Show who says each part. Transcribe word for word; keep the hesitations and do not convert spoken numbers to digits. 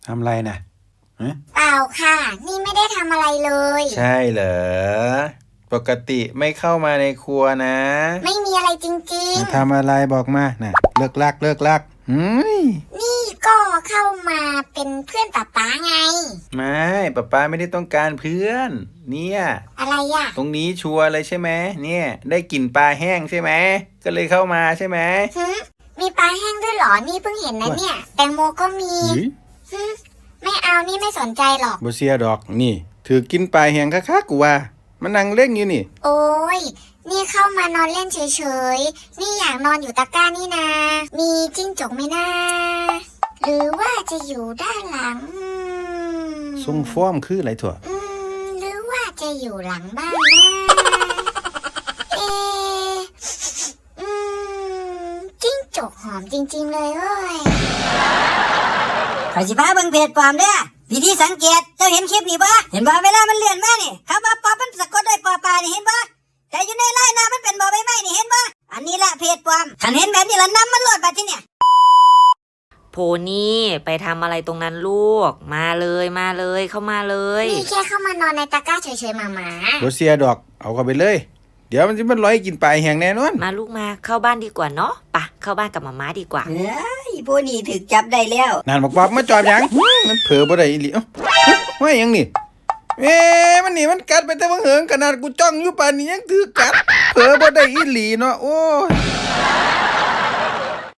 Speaker 1: ทำอะไรนะ
Speaker 2: เปล่าค่ะนี่ไม่ได้ทำอะไรเลย
Speaker 1: ใช่เหรอปกติไม่เข้ามาในครัวนะ
Speaker 2: ไม่มีอะไรจริง
Speaker 1: ๆทำอะไรบอกมาน่ะเลิกลักเลิกลักหืม
Speaker 2: นี่ก็เข้ามาเป็นเพื่อนป๊าป๊าไง
Speaker 1: ไม่ป๊าป๊าไม่ได้ต้องการเพื่อนเนี่ย
Speaker 2: อะไรอะ
Speaker 1: ตรงนี้ชัวร์เลยใช่ไหมเนี่ยได้กลิ่นปลาแห้งใช่ไหมก็เลยเข้ามาใช่ไหม
Speaker 2: มีปลาแห้งด้วยเหรอนี่เพิ่งเห็นนะเนี่ยแตงโมก็มีไม่เอานี่ไม่สนใจหรอก
Speaker 1: บ่เสียดอกนี่ถือกินปลาแห้งคักๆกูว่ามันนั่งเล่นอยู่นี่
Speaker 2: โอ้ยนี่เข้ามานอนเล่นเฉยๆนี่อยากนอนอยู่ตะกร้านี่นามีจิ้งจกไหมนะหรือว่าจะอยู่ด้านหลัง
Speaker 1: ทรงฟ้อมคืออะไรถั่ว
Speaker 2: อืมหรือว่าจะอยู่หลังบ้านนะเออืมจิ้งจกหอมจริงๆเลยเว้ย
Speaker 3: ข้อยสิพาเบิ่งเพจปลอมเด้อวิธีสังเกตเจ้าเห็นคลิปนี่บ่เห็นบ่เวลามันเลื่อนมานี่คำว่าปอมันสะกดด้วยปอปลานี่เห็นบ่แต่อยู่ในไลน์หน้ามันเป็นบ่ใบไม้นี่เห็นบ่อันนี้แหละเพจปลอมคันเห็นแบบนี้ละนำมันโหลดบัดทีเนี่ย
Speaker 4: โพนี่ไปทำอะไรตรงนั้นลูกมาเลยมาเลยเข้ามาเลย
Speaker 2: นี่แค่เข้ามานอนในตะกร้าเฉยๆหมาหมา
Speaker 1: บ่เสียดอกเอาเข้าไปเลยเดี๋ยวมันจะมันลอยกินปลาแห้งแน่นอน
Speaker 4: มาลูกมาเข้าบ้านดีกว่าเนาะปะเข้าบ้านกับหม่าม้าดีกว่า
Speaker 3: เอ้ยพวกนี้ถูกจับได้แล้ว
Speaker 1: นั่นบอกว่ามาจอบหยังมันเผลอบ่ได้อีหลีเอ้าว่าหยังนี่เอ๊ะมันนี่มันกัดไปแต่ว่าเหิงขนาดกูจ้องอยู่ป่านนี้ยังถือกัดเผลอบ่ได้อีหลีเนาะโอ้ย